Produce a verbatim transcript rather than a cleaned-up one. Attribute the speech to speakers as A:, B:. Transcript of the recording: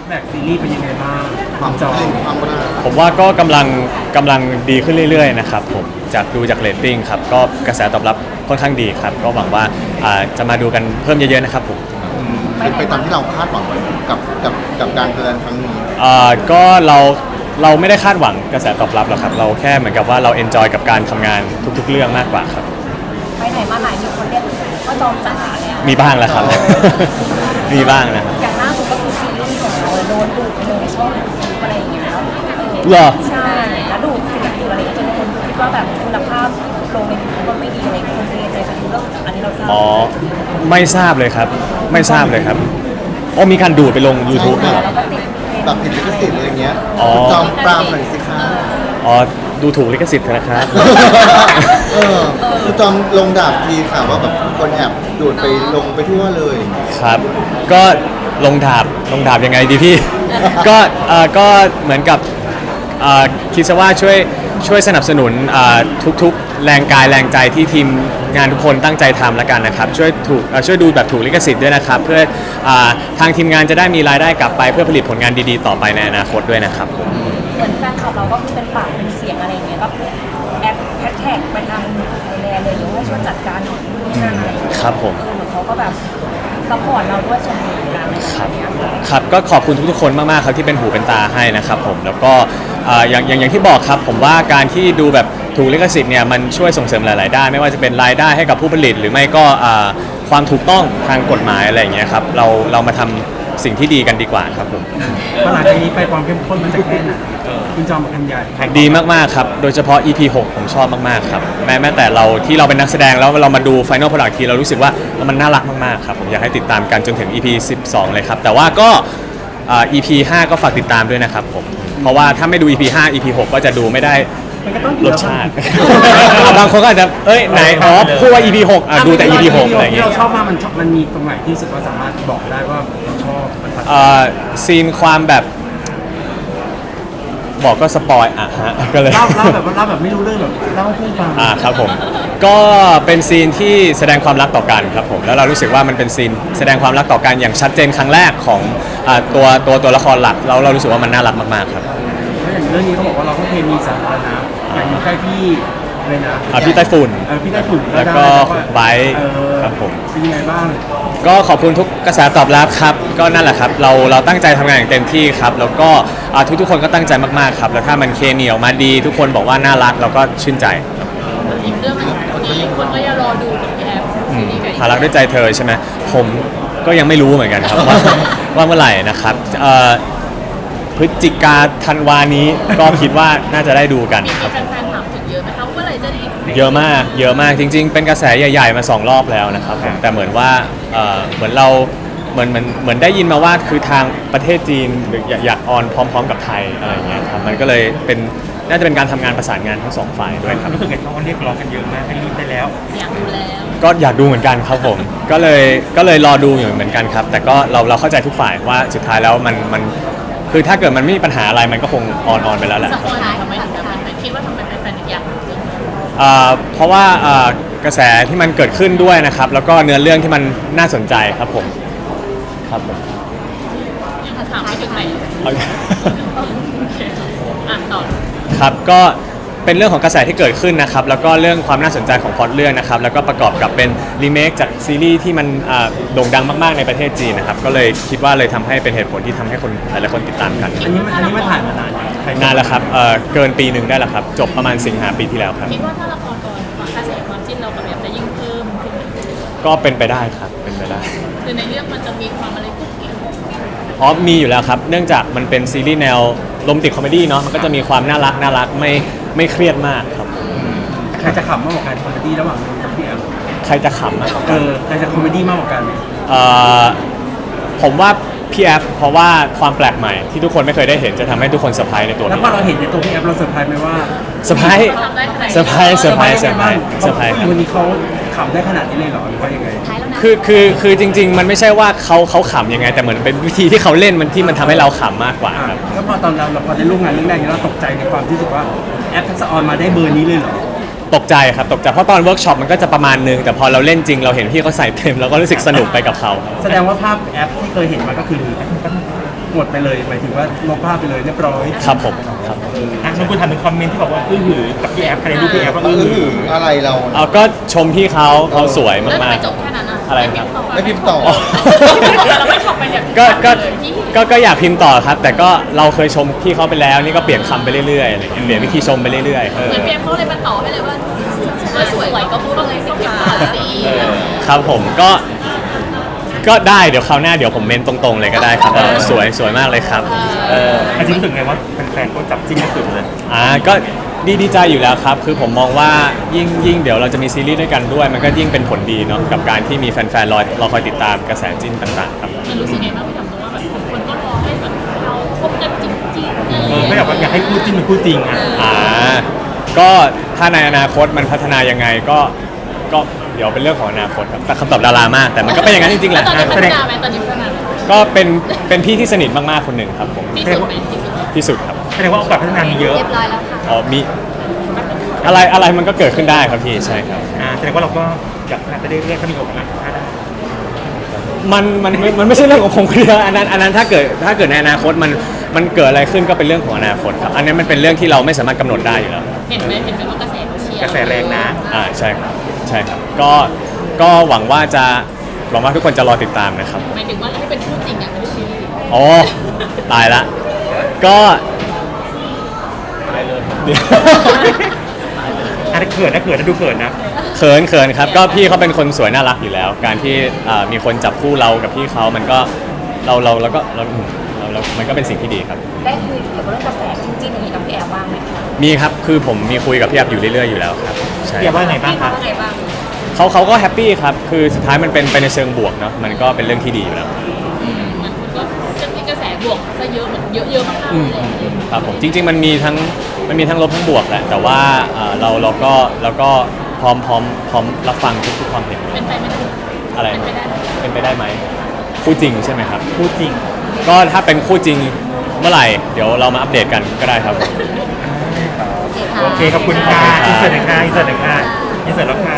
A: แบ็กซีรีส์เป็นยังไงบ้าง
B: ความจอยความรัก
C: ผมว่าก็กำลังกำลังดีขึ้นเรื่อยๆนะครับผมจากดูจากเรตติ้งครับก็กระแสตอบรับค่อนข้างดีครับก็หวังว่าจะมาดูกันเพิ่มเยอะๆนะครับผม
B: เป็นไปตามที่เราคาดหวังไว้กับกับกับการแสดงครั้งนี้
C: ก็เราเราไม่ได้คาดหวังกระแสตอบรับหรอกครับเราแค่เหมือนกับว่าเราเอนจอยกับการทำงานทุกๆเรื่องมากกว่าครับ
D: ไปไหนมาไหนมีคนเรียกว่าจอมจ๋าเนี่ย
C: มีบ้างแล้วครับมีบ้างนะ
D: อย่างล่าสุดก็คือซีรีส์ของเราโดนดูดไปในช่องอะไรอย่างเงี้ยแล้ว
C: เหรอ
D: ใช่แล้วดูดสิ่งที่อะไรจนคนคิดว่าแบบคุณภาพลงในยูทูบไม่ดีอะไรคนเทใจไปดูแล้วอันนี้เราทราบ
C: อ๋อไม่ทราบเลยครับไม่ทราบเลยครับอ๋อมีการดูดไปลง YouTube ด้วยเหรอ
B: แบบผิดลิขสิทธิ์อะไรเงี้ยจอมปรามหน่อยสิคะ
C: อ๋อดูถูกลิขสิทธิ์นะครับ
B: เออคือจอมลงดาบทีค่ะว่าแบบคนแอบดูดไปลงไปทั่วเลย
C: ครับก็ลงดาบลงดาบยังไงดีพี่ก็เอ่อก็เหมือนกับเอ่อคิดซะว่าช่วยช่วยสนับสนุนทุกๆแรงกายแรงใจที่ทีมงานทุกคนตั้งใจทำแล้วกันนะครับช่วยถูกช่วยดูแบบถูกลิขสิทธิ์ด้วยนะครับเพื่อทางทีมงานจะได้มีรายได้กลับไปเพื่อผลิตผลงานดีๆต่อไปในอนาคตด้วยนะครับ
D: เหมือนแฟนคลับเราก็คือเป็นปากเป็นเสียงอะไรเงี้ยก็แอดแฮชแท็กไปทางไทยแลนด์เลยว่าช่วยจัดการหน่อยนู่นนั่นอะไร
C: ครับผม
D: เหมือนเขาก็แบบซัพพอร์ตเราด้วยส่วนหนึ่งกัน
C: ครับครับก็ขอบคุณทุกๆคนมากๆครับที่เป็นหูเป็นตาให้นะครับผมแล้วก็อย่างอย่างอย่างที่บอกครับผมว่าการที่ดูแบบถูกลิขสิทธิ์เนี่ยมันช่วยส่งเสริมหลายๆด้านไม่ว่าจะเป็นรายได้ให้กับผู้ผลิตหรือไม่ก็ความถูกต้องทางกฎหมายอะไรอย่างเงี้ยครับเราเรามาทำสิ่งที่ดีกันดีกว่าครับผม
A: หลังจากนี้ไปความเข้มข้นมันจะแค่ไหนคุณจอมกับกันใหญ่
C: ดีมากๆครับโดยเฉพาะ อี พี หกผมชอบมากๆครับแม้แม้แต่เราที่เราเป็นนักแสดงแล้วเรามาดู Final Product ทีเรารู้สึกว่ามันน่ารักมากๆครับผมอยากให้ติดตามกันจนถึง อี พี สิบสองเลยครับแต่ว่าก็ อี พี ห้าก็ฝากติดตามด้วยนะครับผมเพราะว่าถ้าไม่ดู อี พี ห้า อี พี หกก็จะดูไม่ได้รสชาติบางคนก็อาจจะเอ้ยไหนอ๋อพูดว่า อี พี หกอ่ะดูแต่ อี พี หกอะไรอย่างเงี้ย
A: ที่เราชอบมากมันมันมีตรงไหนที่รู้สึกว่าสามารถบอกได้ว่าเราชอบมัน
C: เอ่อซีนความแบบบอกก็สปอยอ่ะฮะก็เลย
A: เล่าเล่าแบบเล่าแบบไม่รู้เรื่องแบบเล่าให้เพื่อนฟัง
C: อ่าครับผมก็เป็นซีนที่แสดงความรักต่อกันครับผมแล้วเรารู้สึกว่ามันเป็นซีนแสดงความรักต่อกันอย่างชัดเจนครั้งแรกของอ่าตัวตัวตัวละครหลักเราเรารู้สึกว่ามันน่ารักมากๆครับ
A: แล้วอย่างเรื่องนี้เขาบอกว่าเราก็เคมีสาธารณะอย่างอยู่ใกล้พี่เลยนะ
C: อ่าพี่ไต้ฝุ่น
A: พี่ไต้ฝุ่น
C: แล้วก็ไบค์ครับผม
A: เป็นยังไงบ้าง
C: ก็ขอบคุณทุกกระแสตอบรับครับก็นั่นแหละครับเราเราตั้งใจทำงานอย่างเต็มที่ครับแล้วก็ทุกทุกคนก็ตั้งใจมากๆครับแล้วถ้ามันเคมีออกมาดีทุกคนบอกว่าน่ารักเราก็ชื่นใจ
D: อีกเรื่องนึงที่คนก็ยังรอดูกับแอป
C: หารักด้วยใจเธอใช่ไหมผมก็ยังไม่รู้เหมือนกันครับว่าว่าเมื่อไหร่นะครับพฤศจิกาธันวานี้ก็คิดว่าน่าจะได้ดูกันครับเยอะมากเยอะมากจริงๆเป็นกระแสใหญ่ๆมาสองรอบแล้วนะครับผมแต่เหมือนว่าเหมือนเราเหมือนเหมือนเหมือนได้ยินมาว่าคือทางประเทศจีนอยากออนพร้อมๆกับไทยอะไรอย่างเงี้ยครับมันก็เลยเป็นน่าจะเป็นการทำงานประสานงานทั้งสองฝ่ายด้วยครับ
A: รู้สึกไงเขาเรียกร้องกันเยอะมากให้รีบได้แล้ว
D: อยากดูแล้ว
C: ก็อยากดูเหมือนกันครับผมก็เลยก็เลยรอดูอยู่เหมือนกันครับแต่ก็เราเราเข้าใจทุกฝ่ายว่าสุดท้ายแล้วมันมันคือถ้าเกิดมันไม่มีปัญหาอะไรมันก็คงออนออนไปแล้วแหละ
D: สักคนทำไมถึงแบบคิดว่าทำไมแฟนๆอยากดู
C: เพราะว่ากระแสที่มันเกิดขึ้นด้วยนะครับแล้วก็เนื้อเรื่องที่มันน่าสนใจครับผมครับผม
D: ยังถามไม่ถึงไหนอ่านต่อ
C: ครับก็เป็นเรื่องของกระแสที่เกิดขึ้นนะครับแล้วก็เรื่องความน่าสนใจของพล็อตเรื่องนะครับแล้วก็ประกอบกับเป็นรีเมคจากซีรีส์ที่มันโด่งดังมากๆในประเทศจีนนะครับก็เลยคิดว่าเลยทำให้เป็นเหตุผลที่ทำให้คนหลายๆคนติดตามกัน
A: อันนี้อันนี้มาถ่ายมานาน
C: นานแล้วครับเกินปีหนึ่งได้แล้วครับจบประมาณสิงหาปีที่แล้วครับ
D: คิดว่าถ้าละครก่อนกระแสความจิ้นเรากับแบบจะยิ่งเพิ่มขึ้น
C: ก็เป็นไปได้ครับเป็นไปได้
D: คือในเรื่องมันจะมีความอะไรกุ๊กกิ๊ก
C: อ๋อมีอยู่แล้วครับเนื่องจากมันเป็นซีรีส์แนวโรแมนติกคอมเมดี้เนาะมันก็จะมีความน่ารักน่ารักไม่ไม่เครียดมากครับ
A: ใครจะขำมากกว่ากันคอมเมดี้ระหว่างนนท์กับพี่แอฟ
C: ใครจะขำมากกว่า
A: กันเออใครจะคอมเมดี้มากกว่ากัน
C: เอ่อผมว่าพี่แอฟเพราะว่าความแปลกใหม่ที่ทุกคนไม่เคยได้เห็นจะทำให้ทุกคนเซอร์ไพรส์ในตัว
A: แล้วพอเราเห็นในตัวพี่แอฟเราเซอร์ไพรส์ไหมว่า
C: เซอร์ไพรส์เซอร์ไพรส์เซอร์ไพรส์เซอร์ไพรส์เซอร์ไพรส์
A: วันนี้เขาขำได้ขนาดนี้เลยเหรอหรือว่ายังไง
C: คือคือคือจริงๆมันไม่ใช่ว่าเขาเขาขำยังไงแต่เหมือนเป็นวิธีที่เขาเล่นมันที่มันทำให้เราขำมากกว่าครับ
A: แล้วพอตอนเราเราพอได้ร่วมงานเรื่องแรกเราตกใจในความที่รู้สึกว่าแอปทักษะออนมาได้เบอร์นี้เลยเหรอ
C: ตกใจครับตกใจเพราะตอนเวิร์กช็อปมันก็จะประมาณนึงแต่พอเราเล่นจริงเราเห็นพี่เขาใส่เต็มเราก็รู้สึกสนุกไปกับเขา
A: แสดงว่าภาพแอปที่เคยเห็นมาก็คือหมดไปเลยหมายถึงว่าลบภาพไปเลยเรียบร้อย
C: ครับผมครับ
E: อ่ะน้องคุณทำเป็นคอมเมนต์ที่บอกว่าอื้อหือกับพี่แอฟใครรูปพี่แอฟว่า
B: เอ
E: อื้อ
B: อ
E: หือ
B: อะไรเรา
C: เอาก็ชมพี่เขาเขาสวย
D: แล้วทำ
C: มา
D: ไม
C: ก
D: จบแค่นั้นอ่ะ
C: อะไรครับ
B: ไม่พิมพ์ต่อ
C: อ๋อ
D: เราไม่จบไปเนี่ย
C: ก็ก็ก็ก็อยากพิมพ์ต่อครับ แต่ก็เราเคยชมพี่เขาไปแล้วนี่ก็เปลี่ยนคำไปเรื่อยๆอะไรอย่างเงี้ยเปลี่ยนวิธีชมไปเรื่อยๆเออ
D: เหมือนเพียงเขาเลยมาต่อให้เลยว่าว่าสวยก็พูดเลยสิคะสิ
C: ครับผมก็ก็ได้เดี๋ยวคราวหน้าเดี๋ยวผมเมนตรงๆเลยก็ได้ครับเออสวยสวยมากเลยครับเออ
E: อาจริงรู้สึกไงว่าแฟนๆก็จับจิ้นกันสุดเลย
C: อ่าก็ดีดีใจอยู่แล้วครับ คือผมมองว่ายิ่งยิ่งเดี๋ยวเราจะมีซีรีส์ด้วยกันด้วย มันก็ยิ่งเป็นผลดีเนาะกับการที่มีแฟนๆรอรอคอยติดตามกระแสจิ้นต่างๆครับ
D: มันรู้สึกไงบ้างพี่ทำตัวว่าแบบคนก็รอให้แบบเราคบกันจริงๆอะไร
E: เอ
D: อ
E: อย่าง ไม่
D: เงี้
E: อย ยากว่าอยากให้คู่จิ้นเป็นคู่จริงอ่ะ
C: อ่าก็ถ้าในอนาคตมันพัฒนายังไงก็ก็เดี๋ยวเป็นเรื่องของอนาคตครับแต่คำตอบดารามาก แต่มันก็เป็นอย่างนั้นจริงๆแห
D: แล้ว
C: ละ
D: ตอนนี้พัฒนาไหมตอนนี้พัฒนาไหม
C: ก็เป็นเป็นพี่ที่สนิทมากๆคนหนึ่งครับผม
D: ที่สุดไหมที่สุด
C: ที่สุดครับ
E: แสดงว่าโอกาสพัฒนามีเยอะ
D: เรียบร้อยแล้วค่ะ
C: อ๋อมีอะไรอะไรมันก็เกิดขึ้นได้ครับพี่ใช่ครับ
E: อ่าแสดงว่าเราก็อยากพัฒนาไปเรื่อยๆถ้ามีโอกาสพัฒนา
C: มันมันมันมันไม่ใช่เรื่องของผมคนเดียวอันนั้นอันนั้นถ้าเกิดถ้าเกิดในอนาคตมันมันเกิดอะไรขึ้นก็เป็นเรื่องของอนาคตครับอันนี้มันเป็นเรื่องที่เราไม่สามารถกำหนดได้อยู่แล้ว
D: เห็นไหมเห็นไหมว่ากระแสเขาเชียร์
E: กระแสแรงนะ
C: อ่าใช่ครับใช่ครับก็ก็หวังว่าจะหวังว่าทุกคนจะรอติดตามนะครับ
D: หมายถึงว่าให้เป็นคู่จริงอ่ะพี่ชี
C: อ๋อตายละก็เดี๋ยว
E: อันนี้เขินนะเขินนะดูเขินนะ
C: เขินเขินครับก็พี่เขาเป็นคนสวยน่ารักอยู่แล้ว การที่อ่ามีคนจับคู่เรากับพี่เขามันก็เราเราแล้วก็เราเราเรามันก็เป็นสิ่งที่ดีครับ
D: ได้คุยเกี่ยวกับเรื่องกระแสจริงๆอย่างนี้กับพี่แอลบ้างไหมคะ
C: มีครับคือผมมีคุยกับพี่แอบอยู่เรื่อยๆอยู่แล้วครับใช่
E: พี่แอฟว่าไงบ้างครับ
D: ว่าไงบ้าง
C: เขาเขาก็แฮปปี้ครับคือสุดท้ายมันเป็นไปในเชิงบวกเนาะมันก็เป็นเรื่องที่ดีอยู่แล้ว
D: มันก็จะมีกระแสบวกซะเยอะเหมือนเยอะๆมากๆ
C: อืม
D: เลย
C: ครับผมจริง ๆ มันมีทั้งมันมีทั้งลบทั้งบวกแหละแต่ว่าเอ่อเราเราก็เราก็พร้อมพร้อมพร้อมรับฟังทุกทุกความเห็น
D: เป็นไปไม่ได้
C: อะไร
D: เป็นไปได้ไหม
C: เป็นไปได้ไหมคู่จริงใช่ไหมครับ
E: คู่จริง
C: ก็ถ้าเป็นคู่จริงเมื่อไหร่เดี๋ยวเรามาอัปเดตกันก็ได้ครับ
E: โอเคขอบคุณค่ะอินเสิร์ตหน่อยค่ะอินเสิร์ตหน่อยค่ะอินเสิร์ตแล้วค่ะ